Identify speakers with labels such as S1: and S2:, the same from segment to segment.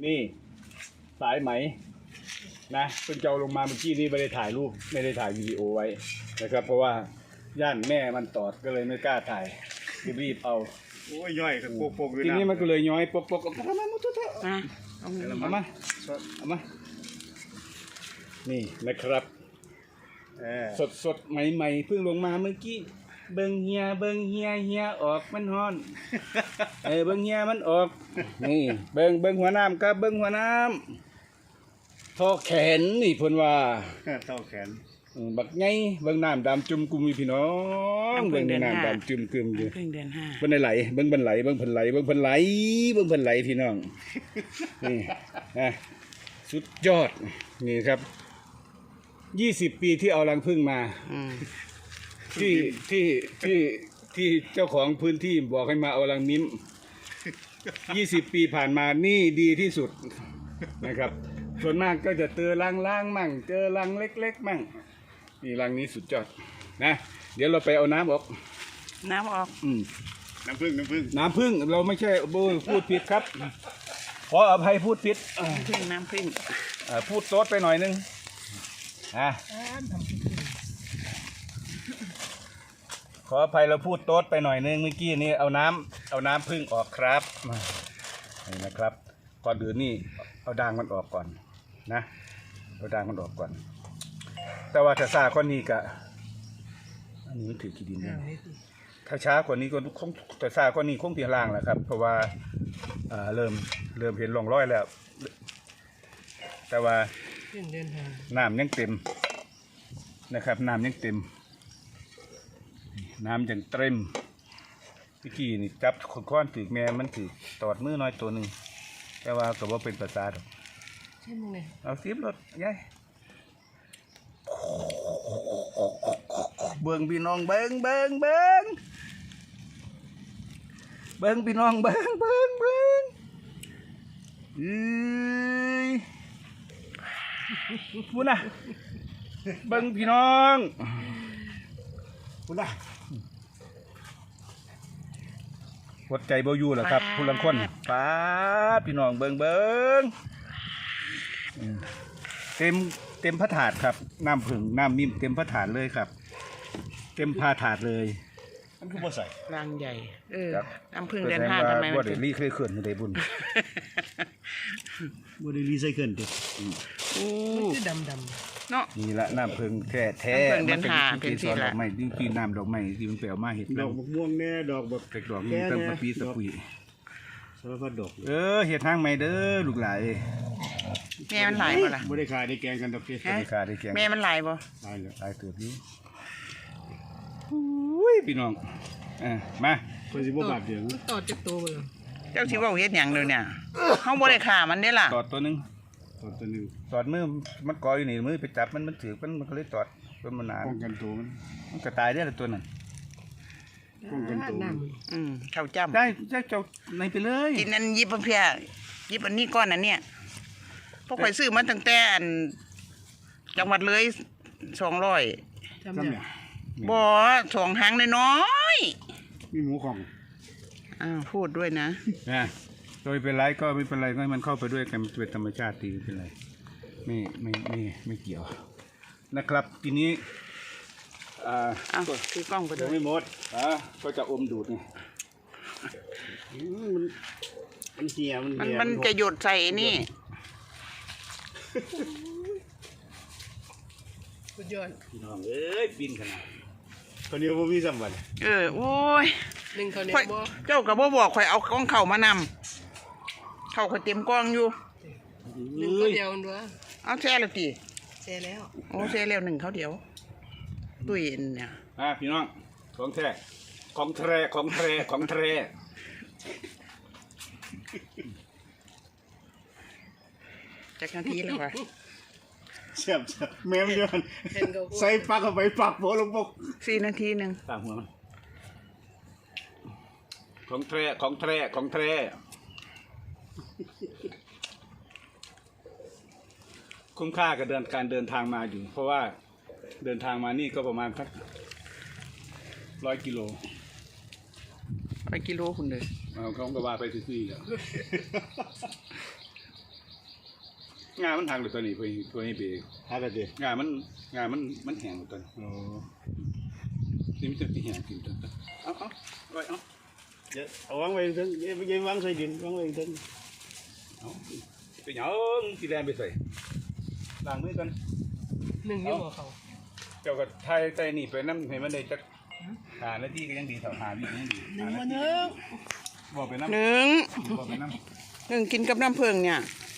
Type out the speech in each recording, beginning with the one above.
S1: นี่สายไหมนะเพิ่งจะเอาลงมาเมื่อกี้นี้ไม่ได้ถ่ายรูปไม่ได้ถ่ายวิดีโอไว้นะครับเพราะว่าย่านแม่มันตอดก็เลยไม่กล้าถ่ายรีบเอา
S2: โอ้ยย่อยกับโปกๆเลย
S1: ที
S2: นะ
S1: นี้มันก็เลยย้อยปกเอามามุดเถอะ
S3: เอา
S1: เอามานี่นะครับสดใหม่ๆเพิ่งลงมาเมื่อกี้เบิ่งเฮียออกมันฮ้อนเบิ่งเฮียมันออกนี่เบิ่งหัวน้ำครับเบิ่งหัวน้ำท่อแขนนี่เพิ่นว่า
S2: เท่าแขน
S1: บักไงเบิ่งน้ำดำจุ่มกุมพี่น้องเบิ่งน้ำดำจุ่มกึมอยู่
S3: เพิ่งเดือนห้า
S1: เบิ่งไหลเบิ่งเพิ่นไหลพี่น้องนี่นะสุดยอดนี่ครับ20 ปีที่เอารังผึ้งมาที่เจ้าของพื้นที่บอกให้มาเอารังมิ้ม20 ปีผ่านมานี่ดีที่สุดนะครับส่วนมากก็จะเจอรังล่างมั่งเจอรังเล็กๆมั่งนี่รังนี้สุดยอดนะเดี๋ยวเราไปเอาน้ำออก
S3: น้ำออก
S2: น้ำผึ้ง
S1: น้ำผึ้งเราไม่ใช่พูดผิดครับขออภัยพูดผิด
S3: น้ำผึ้ง
S1: พูดโต๊ดไปหน่อยนึงขออภัยเราพูดโต๊ดไปหน่อยนึงเมื่อกี้นี้เอาน้ำผึ้งออกครับนี่นะครับก่อนอื่นนี่เอาด่างมันออกก่อนนะเอาด่างมันออกก่อน แต่ว่าถ้าซาคนนี้กะอันนี้มันถือกี่ดินเนี่ยถ้าช้ากว่านี้ก็คงแต่ซาคนนี้คงเพียงล่างแหละครับเพราะว่าเริ่มเห็นร่องรอยแล้วแต่ว่าน้ำยังเต็มนะครับน้ำยังเต็มน้ำยังเต็มเมื่อกี้นี่จับค้อนถือแม่มันถือตอดมือน้อยตัวหนึ่งแต่ว่าก็บ่เป็นภาษาดอกใช่มั้งเลยเอาซิบรถยายเบิ่งพี่น้องเบิ่งพี่น้องเบิ่งเอ้ยพูดนะเบิ่งพี่น้องพูดนะหัวใจบ่อยู่เหรอครับผู้ลังคนป้าพี่น้องเบิ่งเต็มพระถาดครับน้ำผึ่งน้ำมิ้มเต็มพระถาดเลยครับเต็มพาถาดเลยมันคือบ่ใส่
S3: รังใหญ่น้ำผึ้งเดือนห้าทำไม
S1: บ่ได้รีเคยเขื่อนได้บุญ
S2: บ่ได้รีไซเคิลดิ
S3: ดำเนาะ
S1: นี่ละน้ำผึ้งแท้
S3: น้ำผึ้งเดือนห้าเป็นที่ละ
S1: ดอกไม้ที่น้ำดอกไม้ที่มันไปเอามาเห็ด
S2: ดอกบักม่วงแน่ดอกบัก
S1: เด็กดอกนี้ตั้งปีสปุย
S2: สารพัดดอก
S1: เห็ดทางใหม่เด้อลูกหลาน
S3: แม่มันหลายบ่ล่ะ
S2: บ่ได้ขายได้แกงกันดอกเด้
S1: ได้ค่าได้แกง
S3: แม่มันหลายบ่
S2: ตายแล้ว
S1: หลายเติบอยู่อุ้ยพี่น้องมา
S2: เพิ่นสิบ่บาดเดียว
S4: ต่อจากตัวเลย
S3: เจ้าสิว่าเฮ็ดหยังเด้อเนี่ยเฮาบ่ได้ฆ่ามันเด้ล่ะ
S1: ตอดตัวหนึง
S2: ตอนตัวนึง
S1: ตอดมือมันกออยู่นี่มือไปจับมันถือมันก็เลยตอดเป็นมันหนา
S2: ป้องกันตัวมัน
S1: ก็ตายได้ละตัวนั้น
S2: ป้องกันตัวมัน
S3: ข้าวจ้ำ
S1: ได้เจ้าในไปเลย
S3: กินอันยิบเพียยิบอันนี้ก้อนอันเนี้ยพวกข่อยซื้อมาตั้งแต่อันจังหวัดเลย200
S4: จำได้
S2: จำเนี่ย
S3: บ่2หางน้อย
S2: มีหมูของ
S3: พูดด้วยนะ
S1: โดยเป็นไรก็ไม่เป็นไรก็ให้มันเข้าไปด้วยกันเป็นธรรมชาติดีไม่เป็นไรไม่เกี่ยวนะครับทีนี้
S3: คือกล้องไปด้
S1: ยั
S3: ว
S1: ง
S3: ย
S1: ไม่หมดก็จะอมดูดไง
S2: มันเหี่ยมันเหี่ย
S3: มันจะหยดใส่นี่
S4: สุดยอด
S1: พี่น้องเอ้ยบินขนาด
S2: คนเดียวบ่มีสัมบัติ
S3: โอ้ย
S4: หนึ่งเขาเนี่ย
S3: ข่อย
S4: บ่
S3: เจ้ากับบ่บอกข่อยเอากล้องเข่ามานำเข่าข่อยเต็มกล้องอยู่
S4: หนึ่งเขาเดียวด้วย
S3: เอาแช่แล้วติ
S4: แช่แล้ว
S3: โอ้แช่แล้วหนึ่งเขาเดียวตุ้ยเนี่ย
S1: พี่น้องของแท้
S3: จักนาทีแล้ววะ
S2: แซ่บแม่มันเดือนใส่ปากเข้าไปปากโผล่ลงปก
S3: 4 นาทีหนึ่ง
S1: ตามหัวมันของแท้คุ้มค่ากับการเดินทางมาอยู่ เพราะว่าเดินทางมานี่ก็ประมาณสัก100 กิโล
S3: ไปกิโลคุณเลย
S1: เขาก็ว่าไปซื้อๆแล้วงามันหักเลยตัวนี้ตัวนี้ไป
S2: หากันดิ
S1: งามันแห้งเลยตัวนี้
S2: โอ้
S1: นี่มันจะไปแห้งกินตัวเอาไว้เอา
S2: เดี๋ยวเอาวางไว้ถึงอย่าวางใส่ดินวางไว้ถึง
S1: เอาไปเหยองสีแดงไปใส่ล้างมือกัน
S4: หนึ่งยี่หัวเขา
S1: เจ้าก็ไทยใจนี่ไปน้ำให้มันได้จักหาหน้าที่ก็ยังดีเท่าหาวิก็ยังดี
S4: หนึ่งมาเนอะ
S1: บอกไปน้ำ
S3: หนึ่ง
S1: บอกไปน้
S3: หนึ่งกินกับน้ำผึ้งเนี่ย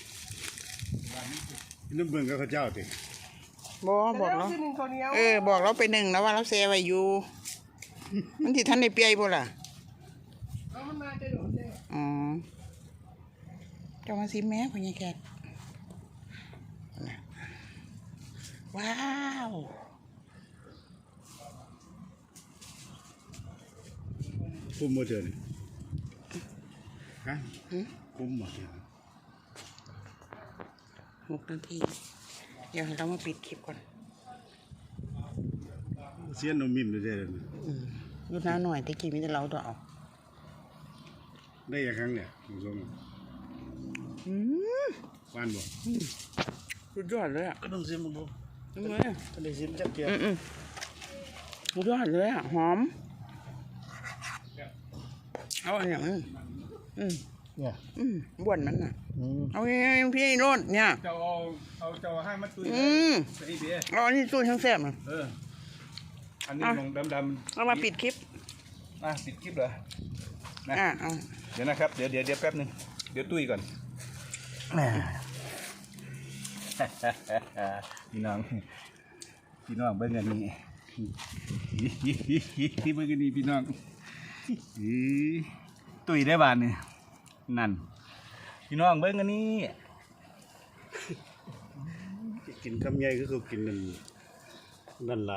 S2: น้ำเบิ่งกับข้าวเจ้าติ
S3: บอกแล้ว
S4: หนึ่งเขาเนี้ย
S3: บอกเราไปหนึ่งแล้วว่าเราเซไว้อยู่ มันที่ท่านในเปียบ่ล่ะ
S4: เอามันมาจะโดดเลย
S3: อ๋อเจ้ามาซิมแม่พ่อใหญ่แคทว้าว
S2: คุ้มบ่เจอนี่ฮะคุ้มบ่เจอ
S3: 6 นาที เดี๋ยวให้เรามาปิดคลิปก่อน
S2: เสียนนมมิ่มเลยเด้อ
S3: อยู่น้าหน่อยตะกี้มีแต่เราตัวเอา
S2: ได้อีกครั้งเนี่ยคุณผู้ชม
S3: อืม
S2: ว่านบ่
S3: สุดยอดเลยอ่ะ
S2: ก็ต้องซิมบ่
S3: ทำไมอ่ะ
S2: ก็ได้ซิมจักเกีย
S3: สุดยอดเลยอ่ะ หอม เอาอันอย่างนี้
S2: เนี่ย
S3: บ้วนมันอ่ะ เอาไงพี่โนดเนี่ย
S1: ำเจ้าเอาเจ้าให้มันตุย
S3: อืม
S1: ใส่เบี้ย
S3: เอาอันนี้ตู้ทั้งแซ่บอ่ะ
S1: อันนี้ลงดำ
S3: เอามาปิดคลิป
S1: ปิดคลิปเหรอนะ
S3: เอา
S1: เดี๋ยวนะครับเดี๋ยวแป๊บนึงเดี๋ยวตุ้ยก่อนพี่น้องเบิ่งอันนี้เบิ่งอันนี้พี่น้องตุ้ยได้บานนี่นั่นพี่น้องเบิ่งอันนี้
S2: กินคำใหญ่คือเขากินนั่นหลาย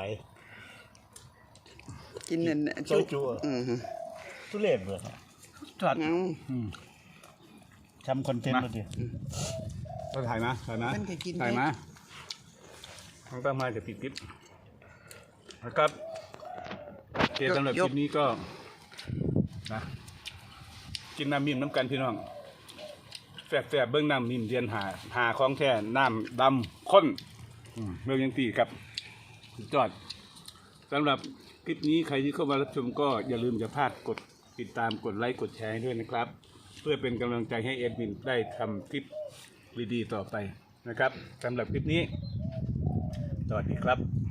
S3: กินเนี่ย
S2: ซอยจุ๊
S3: อืม
S2: ทุเรศเบ่
S1: จอด
S3: เอา
S2: ทำคอนเทนต์บ่ดิ
S1: ก็ถ่ายนะ
S3: มันก็กิน
S1: ถ่าย
S3: ได้
S1: นะทางตามมาจะปิดคลิปนะครับโอเคสำหรับคลิปนี้ก็นะกินน้ำมิ่มน้ำกันพี่น้องแฝบเบื้องน้ำมิ่มเรียนหาของแท้น้ำดำข้นเบื้องยังตีครับจอดสำหรับคลิปนี้ใครที่เข้ามารับชมก็อย่าลืมอย่าพลาดกดติดตามกดไลค์กดแชร์ให้ด้วยนะครับ เพื่อเป็นกำลังใจให้เอ็ดมินได้ทำคลิปดีๆต่อไปนะครับสำหรับคลิปนี้สวัสดีครับ